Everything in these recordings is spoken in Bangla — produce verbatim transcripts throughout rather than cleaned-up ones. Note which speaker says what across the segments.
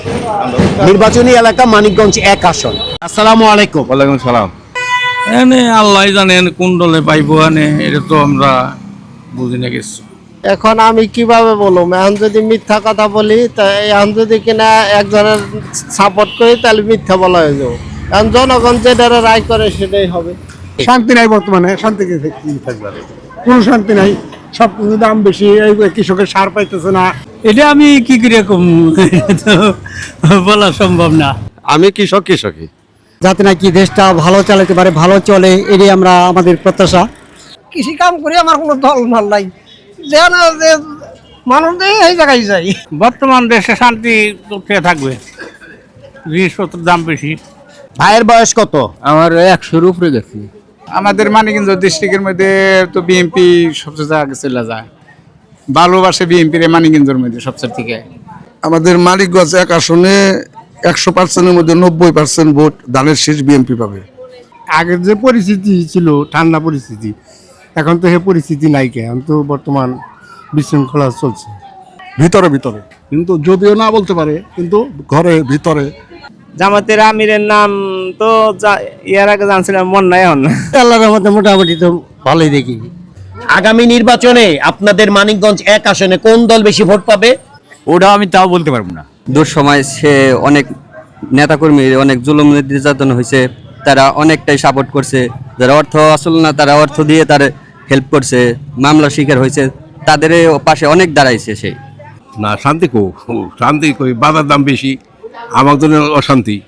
Speaker 1: নির্বাচনী এলাকা মানিকগঞ্জ এক আসন। আসসালামু আলাইকুম।
Speaker 2: ওয়ালাইকুম সালাম।
Speaker 3: এনে আল্লাহ জানেন কোন দলে পাইবো এনে এটা তো আমরা বুঝি না কিছু।
Speaker 4: এখন আমি কিভাবে বলবো, এখন যদি মিথ্যা কথা বলি, এখন যদি কিনা একজনের সাপোর্ট করি তাহলে মিথ্যা বলা হয়ে যাবো। কারণ জনগণ যেটা রায় করে সেটাই হবে।
Speaker 5: শান্তি নাই বর্তমানে, শান্তি কি থাকবে? কোনো শান্তি নাই, সব দাম বেশি, এই কৃষকের সার পাইতেছে না।
Speaker 3: এটা আমি কি করে কম বলা সম্ভব না।
Speaker 2: আমি কৃষক কৃষকই
Speaker 6: যাতে নাকি দেশটা ভালো চালাতে পারে, ভালো চলে, এটাই আমরা আমাদের প্রত্যাশা।
Speaker 4: কৃষি কাম করে আমার কোনো দল ভাল নাই, যে না যে মানুষ এই জায়গায় যাই।
Speaker 3: বর্তমান দেশে শান্তি কোথায় থাকবে, জিনিসপত্রের দাম বেশি।
Speaker 1: ভাইয়ের বয়স কত?
Speaker 6: আমার একশোর উপরে গেছি।
Speaker 7: আমাদের মানিকগঞ্জ ডিস্ট্রিক্টের মধ্যে তো বিএনপি সবচেয়ে আগে চলে যায়, ভালোবাসে বিএনপির মানিকগঞ্জের মধ্যে সবচেয়ে থেকে।
Speaker 8: আমাদের মানিকগঞ্জ এক আসনে একশো পার্সেন্টের মধ্যে নব্বই পার্সেন্ট ভোট ধানের শীষ বিএনপি পাবে।
Speaker 5: আগের যে পরিস্থিতি ছিল, ঠান্ডা পরিস্থিতি, এখন তো সে পরিস্থিতি নাই, এখন তো বর্তমান বিশৃঙ্খলা চলছে ভিতরে ভিতরে, কিন্তু যদিও না বলতে পারে, কিন্তু ঘরে ভিতরে।
Speaker 4: জামাতের আমিরের নাম তো ইয়ার আগে জানছিলাম, মন নাই এখন।
Speaker 6: আল্লাহর রহমতে মোটামুটি তো ভালোই দেখি।
Speaker 1: আগামী নির্বাচনে আপনাদের মানিকগঞ্জ এক আসনে কোন দল বেশি ভোট পাবে?
Speaker 2: ওটা আমি তাও বলতে পারবো না।
Speaker 9: দুঃসময় সে অনেক নেতাকর্মী অনেক জুলুম নির্যাতন হয়েছে, তারা অনেকটাই সাপোর্ট করছে। যারা অর্থ আসল না তারা অর্থ দিয়ে তার হেল্প করছে, মামলা শিকার হয়েছে, তাদের পাশে অনেক দাঁড়াইছে সে।
Speaker 2: না, শান্তি কো শান্তি কই, বাজার দাম বেশি, আমার জন্য অশান্তি।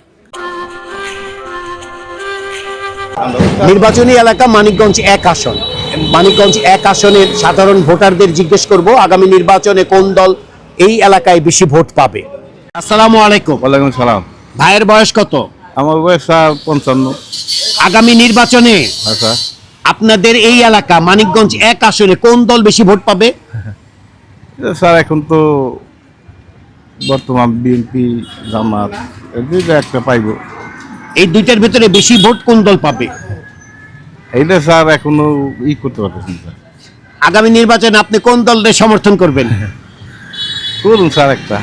Speaker 1: নির্বাচনী এলাকা মানিকগঞ্জ এক আসন। মানিকগঞ্জ এক আসনের সাধারণ ভোটারদের জিজ্ঞেস করব আগামী নির্বাচনে কোন দল এই এলাকায় বেশি ভোট পাবে। আসসালামু আলাইকুম।
Speaker 2: ওয়ালাইকুম সালাম।
Speaker 1: ভাইয়ের বয়স কত?
Speaker 2: আমার বয়স পঞ্চান্ন।
Speaker 1: আগামী নির্বাচনে
Speaker 2: আচ্ছা,
Speaker 1: আপনাদের এই এলাকা মানিকগঞ্জ এক আসনে কোন দল বেশি ভোট পাবে?
Speaker 2: স্যার এখন তো বর্তমান বিএনপি জামাত এই দুইটা একটা পাইব।
Speaker 1: এই দুইটার ভিতরে বেশি ভোট কোন দল পাবে?
Speaker 2: এইটা স্যার এখনো ই করতে পারতেছেন স্যার।
Speaker 1: আগামী নির্বাচনে আপনি কোন দলের সমর্থন করবেন?
Speaker 2: করুন স্যার একটা,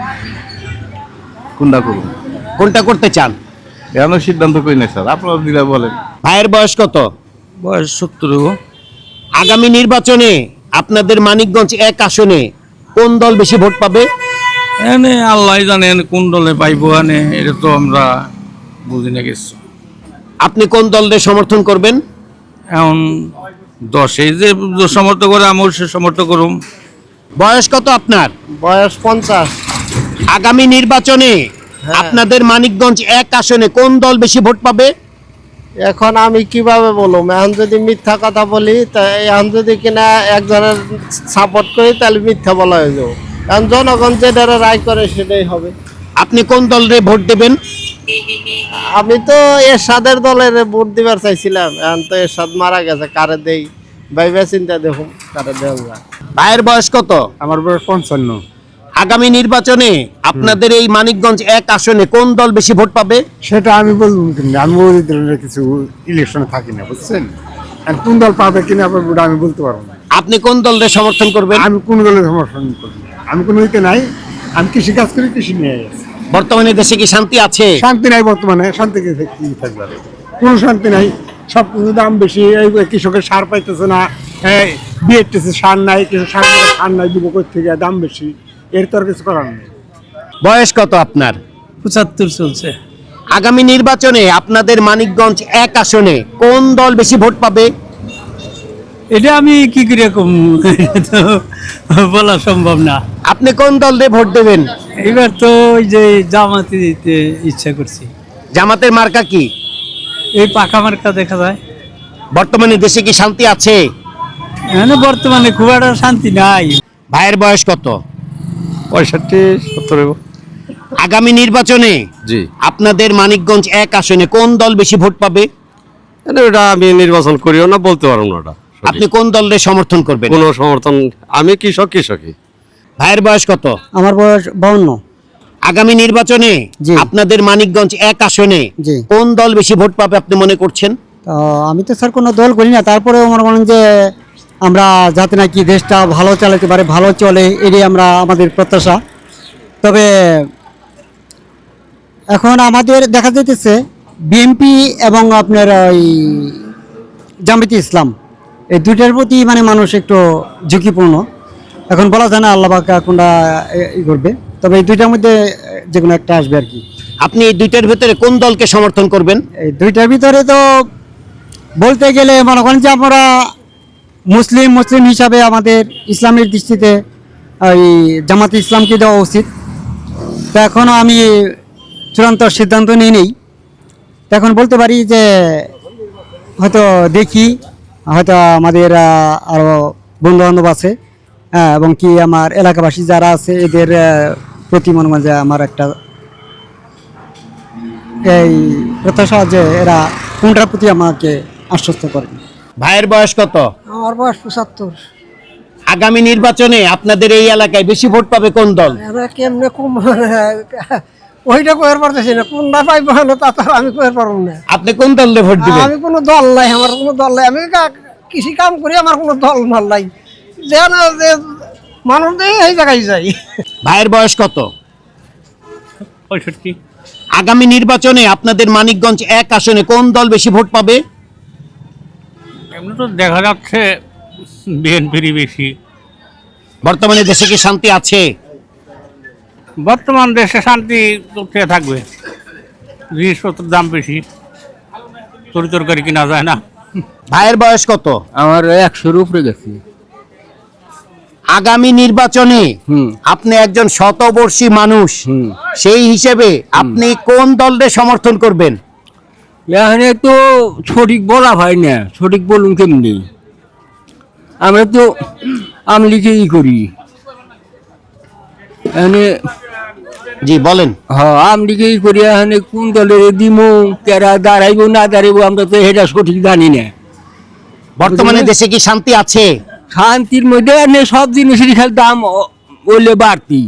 Speaker 2: কোনটা করুন?
Speaker 1: কোনটা করতে চান?
Speaker 2: এখনো সিদ্ধান্ত করি না স্যার, আপনারা দিলে বলেন।
Speaker 1: ভাইয়ের বয়স কত?
Speaker 3: বয়স সত্তর।
Speaker 1: আগামী নির্বাচনে আপনাদের মানিকগঞ্জ এক আসনে কোন দল বেশি ভোট পাবে?
Speaker 3: এনে আল্লাহ জানেন কোন দলে পাইবো এনে এটা তো আমরা বুঝি না কিছু।
Speaker 1: আপনি কোন দলের সমর্থন করবেন?
Speaker 3: এখন দশে যে সমর্থন করে আমার সে সমর্থন করুম।
Speaker 1: বয়স কত আপনার?
Speaker 4: বয়স পঞ্চাশ।
Speaker 1: আগামী নির্বাচনে আপনাদের মানিকগঞ্জ এক আসনে কোন দল বেশি ভোট পাবে?
Speaker 4: এখন আমি কিভাবে বলবো, এখন যদি মিথ্যা কথা বলি, এখন যদি কিনা একজনের সাপোর্ট করি তাহলে মিথ্যা বলা হয়ে যাবো। কারণ জনগণ যেটা রায় করে সেটাই হবে।
Speaker 1: আপনি কোন দলের ভোট দেবেন?
Speaker 4: আমি তো এরশাদের দলের ভোট দিবার চাইছিলাম, এখন তো এরশাদ মারা গেছে, কারে দেই ভাইবা চিন্তা দেখুন কারে দেওয়া যায়।
Speaker 1: ভাইয়ের বয়স কত?
Speaker 5: আমার বয়স পঞ্চান্ন।
Speaker 1: আগামী নির্বাচনে আপনাদের এই মানিকগঞ্জ এক আসনে কোন দল বেশি ভোট পাবে?
Speaker 5: সেটা আমি বলবো কিনা, আমি ওই দলের কিছু ইলেকশনে থাকি না, বুঝছেন? আর কোন দল পাবে কিনা ওটা আমি বলতে পারবো না।
Speaker 1: আপনি কোন দলের সমর্থন করবেন?
Speaker 5: আমি কোন দলের সমর্থন করি না, আমি কোনো ইতে নাই, আমি কৃষি কাজ করি, কৃষি নিয়ে গেছি।
Speaker 1: বর্তমানে দেশে কি শান্তি আছে?
Speaker 5: শান্তি নাই বর্তমানে, শান্তি কি থাকবে? কোনো শান্তি নাই, সব দাম বেশি, এই কৃষকের সার পাইতেছে না, বিএসটিসি সার নাই, কিছু সার সার নাই, দিব থেকে দাম বেশি, এর তো আর কিছু করার নেই।
Speaker 1: বয়স কত আপনার?
Speaker 3: পঁচাত্তর চলছে।
Speaker 1: আগামী নির্বাচনে আপনাদের মানিকগঞ্জ এক আসনে কোন দল বেশি ভোট পাবে?
Speaker 3: এটা আমি কি করে কম বলা সম্ভব না।
Speaker 1: আপনি কোন দলে ভোট দেবেন?
Speaker 3: এবার তো ওই যে জামাতে দিতে ইচ্ছা করছি।
Speaker 1: জামাতের মার্কা কি?
Speaker 3: এই পাকা মার্কা দেখা যায়।
Speaker 1: বর্তমানে দেশে কি শান্তি আছে?
Speaker 3: মানে বর্তমানে খুব একটা শান্তি নাই।
Speaker 1: ভাইয়ের বয়স কত?
Speaker 2: পঁয়ষট্টি সত্তর।
Speaker 1: আগামী নির্বাচনে
Speaker 2: জি,
Speaker 1: আপনাদের মানিকগঞ্জ এক আসনে কোন দল বেশি ভোট পাবে?
Speaker 2: ওটা আমি নির্বাচন করিও না, বলতে পারবো না ওটা।
Speaker 1: আপনি কোন দলের সমর্থন করবেন?
Speaker 2: কোনো সমর্থন, আমি কৃষক কৃষকই।
Speaker 1: ভাইয়ের বয়স কত?
Speaker 6: আমার বয়স বাউন্ন।
Speaker 1: আগামী নির্বাচনে
Speaker 6: জি।
Speaker 1: আপনাদের মানিকগঞ্জ এক আসনে
Speaker 6: জি।
Speaker 1: কোন দল বেশি ভোট পাবে আপনি মনে করছেন?
Speaker 6: তো আমি তো স্যার কোনো দল করি না, তারপরেও মনে করেন যে আমরা যাতে নাকি দেশটা ভালো চালাতে পারে, ভালো চলে, এটাই আমরা আমাদের প্রত্যাশা। তবে এখন আমাদের দেখা যাইতেছে বিএনপি এবং আপনার ওই জামায়াতে ইসলাম এই দুইটার প্রতি মানে মানুষ একটু ঝুঁকিপূর্ণ। এখন বলা যায় না আল্লাহ পাক কোনটা ই করবে, তবে এই দুইটার মধ্যে যে কোনো একটা আসবে আর কি।
Speaker 1: আপনি এই দুইটার ভিতরে কোন দলকে সমর্থন করবেন?
Speaker 6: এই দুইটার ভিতরে তো বলতে গেলে মনে করেন যে আমরা মুসলিম মুসলিম হিসাবে আমাদের ইসলামের দৃষ্টিতে ওই জামাতে ইসলামকে দেওয়া উচিত। তো এখনও আমি চূড়ান্ত সিদ্ধান্ত নিই নেই। তো এখন বলতে পারি যে হয়তো দেখি, হয়তো আমাদের আরও বন্ধু বান্ধব আছে হ্যাঁ, এবং কি আমার এলাকাবাসী যারা আছে এদের আহ, প্রতি মনে হয় যে আমার একটা এই প্রত্যাশা যে এরা কোনটার প্রতি আমাকে আশ্বস্ত করে।
Speaker 1: ভাইয়ের বয়স কত?
Speaker 4: আমার বয়স পঁচাত্তর।
Speaker 1: আগামী নির্বাচনে আপনাদের এই এলাকায় বেশি ভোট পাবে কোন দল?
Speaker 4: কেমনে কম ওইটা কয়ের পারতেছি না, কোনটা পাইব না তা তো আমি কয়ের পারব না।
Speaker 1: আপনি কোন দলে ভোট দিবেন?
Speaker 4: আমি কোনো দল নাই, আমার কোনো দল নাই, আমি কৃষি কাম করি, আমার কোনো দল মাল নাই। যে না যে মানুষ দেয় এই জায়গায় যাই।
Speaker 1: ভাইয়ের বয়স কত?
Speaker 3: পঁয়ষট্টি।
Speaker 1: আগামী নির্বাচনে আপনাদের মানিকগঞ্জ এক আসনে কোন দল বেশি ভোট পাবে?
Speaker 3: এমনি তো দেখা যাচ্ছে বিএনপিরই বেশি।
Speaker 1: বর্তমানে দেশে কি শান্তি আছে?
Speaker 3: বর্তমান দেশে শান্তি কোথায় থাকবে? জিনিসপত্রের দাম বেশি, তরি তরকারি কিনা যায় না।
Speaker 1: ভাইয়ের বয়স কত?
Speaker 2: আমার একশোর উপরে গেছি।
Speaker 1: আগামী নির্বাচনে আপনি একজন শতবর্ষী মানুষ, সেই হিসেবে আপনি কোন দলের সমর্থন করবেন?
Speaker 2: এখানে তো সঠিক বলা হয় না, সঠিক বলুন কেমনি। আমরা তো আমলিকেই করি এখানে।
Speaker 1: জি বলেন।
Speaker 2: হ্যাঁ, আমলিকেই করি এখানে। কোন দলের দিমু, কেরা দাঁড়াইবো না দাঁড়াইবো আমরা তো এটা সঠিক জানি না।
Speaker 1: বর্তমানে দেশে কি শান্তি আছে?
Speaker 2: শান্তির মধ্যে এনে সব জিনিসেরই খালি দাম ওলে বাড়তি,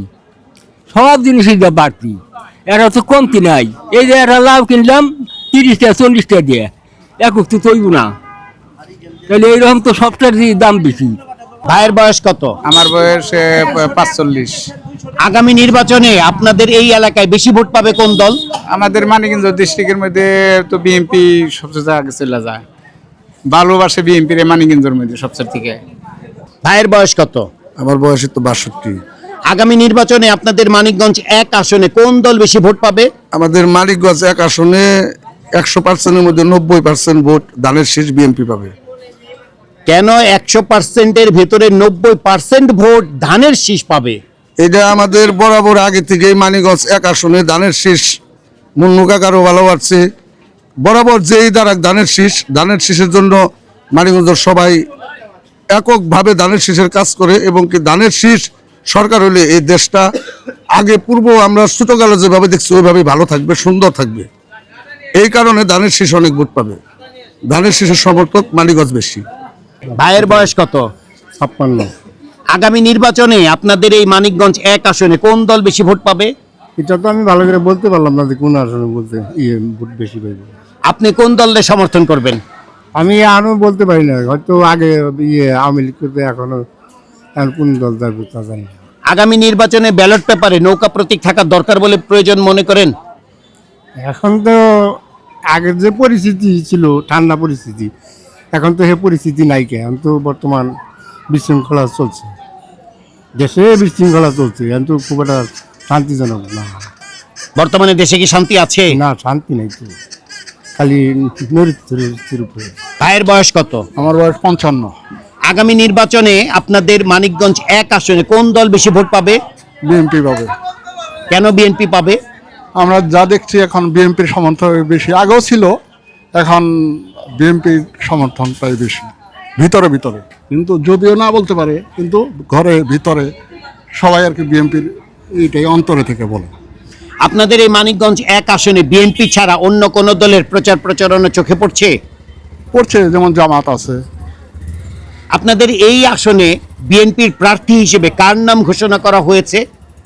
Speaker 2: সব জিনিসের দাম বাড়তি, এরা তো কমতি নাই। এই যে এরা লাভ কিনলাম তিরিশটা চল্লিশটা দিয়ে, একক তো তৈব না, তাহলে এইরকম তো সবটার দাম বেশি।
Speaker 1: ভাইয়ের বয়স কত?
Speaker 7: আমার বয়স পাঁচচল্লিশ।
Speaker 1: আগামী নির্বাচনে আপনাদের এই এলাকায় বেশি ভোট পাবে কোন দল?
Speaker 7: আমাদের মানিকগঞ্জ ডিস্ট্রিক্টের মধ্যে তো বিএনপি সবচেয়ে আগে চলে যায়, ভালোবাসে বিএনপির মানিকগঞ্জের মধ্যে সবচেয়ে থেকে।
Speaker 1: ভাইয়ের বয়স কত?
Speaker 8: আমার বয়স তো বাষট্টি।
Speaker 1: আগামী নির্বাচনে আপনাদের মানিকগঞ্জ এক আসনে কোন দল বেশি ভোট পাবে?
Speaker 8: আমাদের মানিকগঞ্জ এক আসনে একশো পার্সেন্টের মধ্যে নব্বই পার্সেন্ট ভোট ধানের শীষ বিএনপি পাবে।
Speaker 1: কেন একশো পার্সেন্টের ভেতরে নব্বই পার্সেন্ট ভোট ধানের শীষ পাবে?
Speaker 8: এটা আমাদের বরাবর আগে থেকেই মানিকগঞ্জ এক আসনে ধানের শীষ মুন্নু কাকারও ভালো বাড়ছে। বরাবর যেই দ্বারা ধানের শীষ, ধানের শীষের জন্য মানিকগঞ্জের সবাই এককভাবে ধানের শীষের কাজ করে, এবং কি ধানের শীষ সরকার হলে এই দেশটা আগে পূর্ব আমরা ছোটকালে যেভাবে দেখছি ওইভাবে ভালো থাকবে, সুন্দর থাকবে। এই কারণে ধানের শীষ অনেক ভোট পাবে। ধানের শীষের সমর্থক মানিকগঞ্জ বেশি।
Speaker 1: ভাইয়ের বয়স কত?
Speaker 5: ছাপ্পান্ন।
Speaker 1: আগামী নির্বাচনে আপনাদের এই মানিকগঞ্জ এক আসনে কোন দল বেশি ভোট পাবে?
Speaker 5: এটা তো আমি ভালো করে বলতে পারলাম না যে কোন আসনে বলতে ইয়ে ভোট বেশি পাইবে।
Speaker 1: আপনি কোন দলের সমর্থন করবেন?
Speaker 5: আমি আরও বলতে পারি না, হয়তো আগে ইয়ে আওয়ামী লীগ করতে, এখনো এখন কোন দল যাবে তা জানি না।
Speaker 1: আগামী নির্বাচনে ব্যালট পেপারে নৌকা প্রতীক থাকার দরকার বলে প্রয়োজন মনে করেন?
Speaker 5: এখন তো আগের যে পরিস্থিতি ছিল, ঠান্ডা পরিস্থিতি, এখন তো সে পরিস্থিতি নাই। কে এখন তো বর্তমান বিশৃঙ্খলা চলছে, দেশে বিশৃঙ্খলা চলছে, এখন তো খুব একটা শান্তিজনক না।
Speaker 1: বর্তমানে দেশে কি শান্তি আছে?
Speaker 5: না, শান্তি নাই তো, খালি নৈতির উপরে।
Speaker 1: ভাইয়ের বয়স কত?
Speaker 5: আমার বয়স পঞ্চান্ন।
Speaker 1: আগামী নির্বাচনে আপনাদের মানিকগঞ্জ এক আসনে কোন দল বেশি ভোট পাবে?
Speaker 5: বিএনপি পাবে।
Speaker 1: কেন বিএনপি পাবে?
Speaker 5: আমরা যা দেখছি এখন বিএনপির সমর্থন বেশি, আগেও ছিল, এখন বিএনপির সমর্থনটাই বেশি ভিতরে ভিতরে, কিন্তু যদিও না বলতে পারে, কিন্তু ঘরে ভিতরে সবাই আর কি বিএনপির এইটাই অন্তরে থেকে বলে।
Speaker 1: আপনাদের এই মানিকগঞ্জ এক আসনে বিএনপি ছাড়া অন্য কোন দলের প্রচার প্রচারণা চোখে পড়ছে?
Speaker 5: পড়ছে, যেমন জামাত আছে।
Speaker 1: আপনাদের এই আসনে বিএনপির প্রার্থী হিসেবে কার নাম ঘোষণা করা হয়েছে?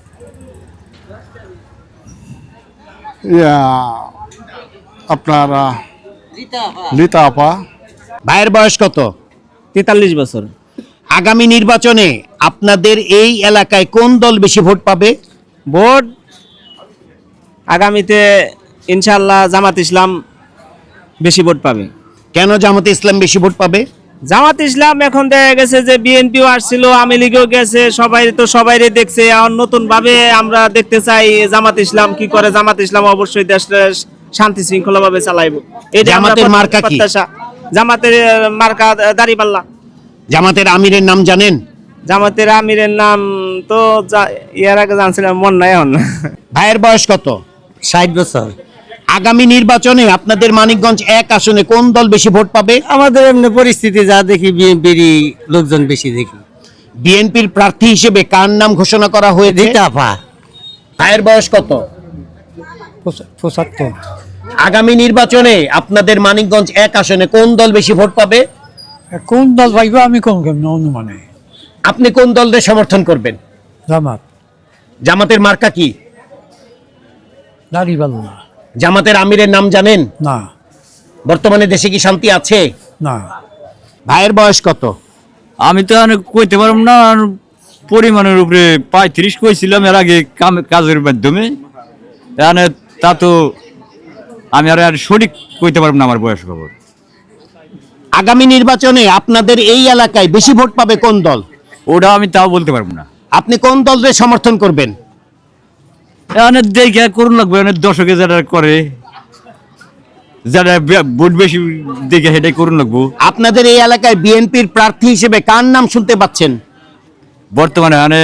Speaker 5: ইয়া, আপনার আহ, লিতা আপা।
Speaker 1: ভাইয়ের বয়স কত?
Speaker 9: তেতাল্লিশ বছর।
Speaker 1: আগামী নির্বাচনে আপনাদের এই এলাকায় কোন দল বেশি ভোট পাবে?
Speaker 9: ভোট
Speaker 10: আগামীতে ইনশাআল্লাহ জামাত ইসলাম বেশি ভোট পাবে।
Speaker 1: কেন জামাতে ইসলাম বেশি ভোট পাবে?
Speaker 10: জামাত ইসলাম এখন দেখা গেছে যে বিএনপিও আসছিল, আওয়ামী লীগও গেছে, সবাই তো সবাইরে দেখছে। এখন নতুন ভাবে আমরা দেখতে চাই জামাত ইসলাম কি করে। জামাত ইসলাম অবশ্যই দেশটা শান্তি শৃঙ্খলা ভাবে চালাইব। এই
Speaker 1: জামাতের মার্কা কি?
Speaker 10: জামাতের মার্কা দাড়িপাল্লা।
Speaker 1: জামাতের আমিরের নাম জানেন?
Speaker 10: জামাতের আমিরের নাম তো এর আগে জানছিলাম, মন নাই এখন।
Speaker 1: ভাইয়ের বয়স কত?
Speaker 6: ষাট বছর।
Speaker 1: আগামী নির্বাচনে আপনাদের মানিকগঞ্জ এক আসনে কোন দল বেশি ভোট পাবে?
Speaker 6: আমাদের এমনি পরিস্থিতি যা দেখি বিএনপির লোকজন বেশি দেখি।
Speaker 1: বিএনপির প্রার্থী হিসেবে কার নাম ঘোষণা করা হয়েছে?
Speaker 6: রিতাফা।
Speaker 1: ভাইয়ের বয়স কত?
Speaker 6: পঁচাত্তর।
Speaker 1: আগামী নির্বাচনে আপনাদের মানিকগঞ্জ এক আসনে কোন দল বেশি ভোট পাবে?
Speaker 6: কোন দল পাইব আমি কোন কেমন অনুমানে।
Speaker 1: আপনি কোন দলের সমর্থন করবেন?
Speaker 6: জামাত।
Speaker 1: জামাতের মার্কা কি?
Speaker 6: দাড়িপাল্লা।
Speaker 1: জামাতের আমিরের নাম জানেন?
Speaker 6: না।
Speaker 1: বর্তমানে দেশে কি শান্তি আছে?
Speaker 6: না।
Speaker 1: ভাইয়ের বয়স কত?
Speaker 2: আমি তো অনেক কইতে পারব না, পরিমাণের উপরে পঁয়ত্রিশ কইছিলাম এর আগে কাজের মাধ্যমে। এখানে তা তো আমি আর আর সঠিক কইতে পারব না আমার বয়স খবর।
Speaker 1: আগামী নির্বাচনে আপনাদের এই এলাকায় বেশি ভোট পাবে কোন দল?
Speaker 2: ওটা আমি তাও বলতে পারবো না।
Speaker 1: আপনি কোন দলের সমর্থন করবেন?
Speaker 2: এখানে দেখে করুন লাগবে, অনেক দর্শকে যারা করে, যারা ভোট বেশি দেখে সেটাই করুন লাগবো।
Speaker 1: আপনাদের এই এলাকায় বিএনপির প্রার্থী হিসেবে কার নাম শুনতে পাচ্ছেন?
Speaker 2: বর্তমানে মানে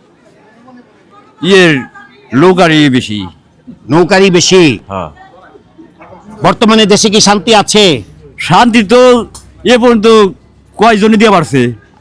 Speaker 2: ইয়ের লোকারি বেশি।
Speaker 1: নৌকারি বেশি।
Speaker 2: হ্যাঁ।
Speaker 1: বর্তমানে দেশে কি শান্তি আছে?
Speaker 2: শান্তি তো এ পর্যন্ত কয়জনই দিয়ে পারছে।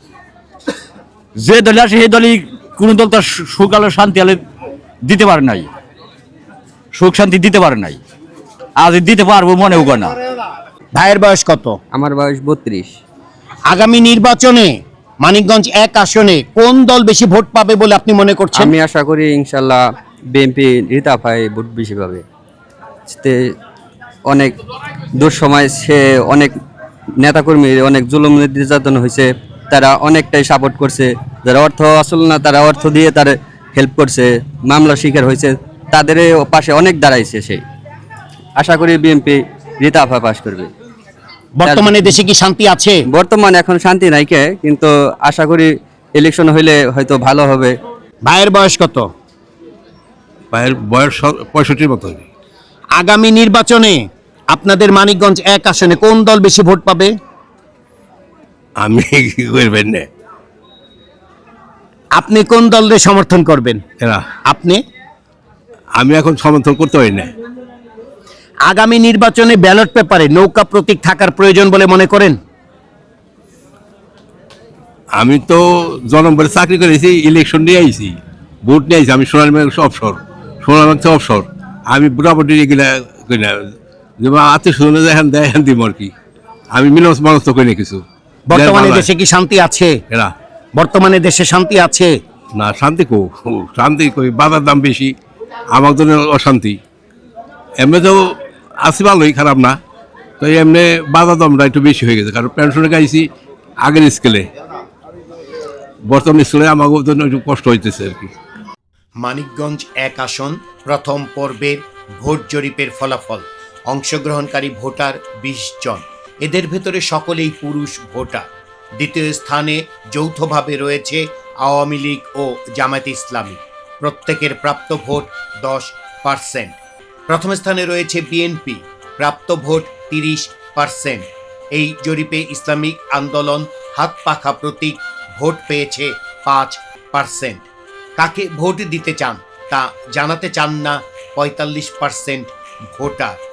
Speaker 2: যে দলে আসে সেই দলই কোনো দল তার সুখ আলো শান্তি আলো দিতে পারে নাই, সুখ শান্তি দিতে পারে নাই। আজ দিতে পারবো মনেও করে না।
Speaker 1: ভাইয়ের বয়স কত?
Speaker 9: আমার বয়স বত্রিশ।
Speaker 1: আগামী নির্বাচনে মানিকগঞ্জ এক আসনে কোন দল বেশি ভোট পাবে বলে আপনি মনে করছেন?
Speaker 9: আমি আশা করি ইনশাল্লাহ বিএনপি রিতাফায় ভোট বেশি পাবে। তে অনেক দুঃসময় সে অনেক নেতাকর্মী অনেক জুলুম নির্যাতন হয়েছে, তারা অনেকটাই সাপোর্ট করছে। যারা অর্থ আসল না তারা অর্থ দিয়ে তার হেল্প করছে, মামলা শিকার হয়েছে, তাদের পাশে অনেক দাঁড়াইছে সে। আশা করি বিএনপি রিতাফা পাস করবে।
Speaker 1: বর্তমানে দেশে কি শান্তি আছে?
Speaker 9: বর্তমানে এখন শান্তি নাই কে, কিন্তু আশা করি ইলেকশন হইলে হয়তো ভালো হবে।
Speaker 1: ভাইয়ের বয়স কত?
Speaker 8: ভাইয়ের বয়স পঁয়ষট্টির মতো।
Speaker 1: আগামী নির্বাচনে আপনাদের মানিকগঞ্জ এক আসনে কোন দল বেশি ভোট পাবে?
Speaker 8: আমি কি করবেন না,
Speaker 1: আপনি কোন দলের সমর্থন করবেন?
Speaker 8: এরা
Speaker 1: আপনি?
Speaker 8: আমি এখন সমর্থন করতে পারি না।
Speaker 1: আগামী নির্বাচনে ব্যালট পেপারে নৌকা প্রতীক থাকার প্রয়োজন বলে মনে করেন?
Speaker 8: আমি তো জনগণের চাকরি করেছি, ইলেকশন নিয়ে আইছি, ভোট নিয়ে আইছি। আমি সোনালী অবসর, সোনালী অবসর। আমি মোটামুটি এগুলা করি না, যেমন আত্মীয় স্বজন এখন দেয় এখন দিব আর কি। আমি মিলস মানুষ তো করি না কিছু।
Speaker 1: বর্তমানে দেশে কি শান্তি আছে?
Speaker 8: এরা
Speaker 1: বর্তমানে দেশে শান্তি আছে?
Speaker 8: না, শান্তি কো শান্তি কই, বাজার দাম বেশি, আমার জন্য অশান্তি। এমনি তো আসি ভালোই, খারাপ না। তো এমনি বাজার দামটা একটু বেশি হয়ে গেছে, কারণ পেনশনে গাইছি আগের স্কেলে, বর্তমান স্কেলে আমার জন্য একটু কষ্ট হইতেছে আর কি।
Speaker 1: মানিকগঞ্জ এক আসন প্রথম পর্বের ভোট জরিপের ফলাফল। অংশগ্রহণকারী ভোটার বিশ জন, এদের ভেতরে সকলেই পুরুষ ভোটার। দ্বিতীয় স্থানে যৌথভাবে রয়েছে আওয়ামী লীগ ও জামায়াতে ইসলামী, প্রত্যেকের প্রাপ্ত ভোট দশ পার্সেন্ট। প্রথম স্থানে রয়েছে বিএনপি, প্রাপ্ত ভোট তিরিশ পার্সেন্ট। এই জরিপে ইসলামিক আন্দোলন হাত পাখা প্রতীক ভোট পেয়েছে পাঁচ পার্সেন্ট। কাকে ভোট দিতে চান তা জানাতে চান না পঁয়তাল্লিশ পার্সেন্ট ভোটার।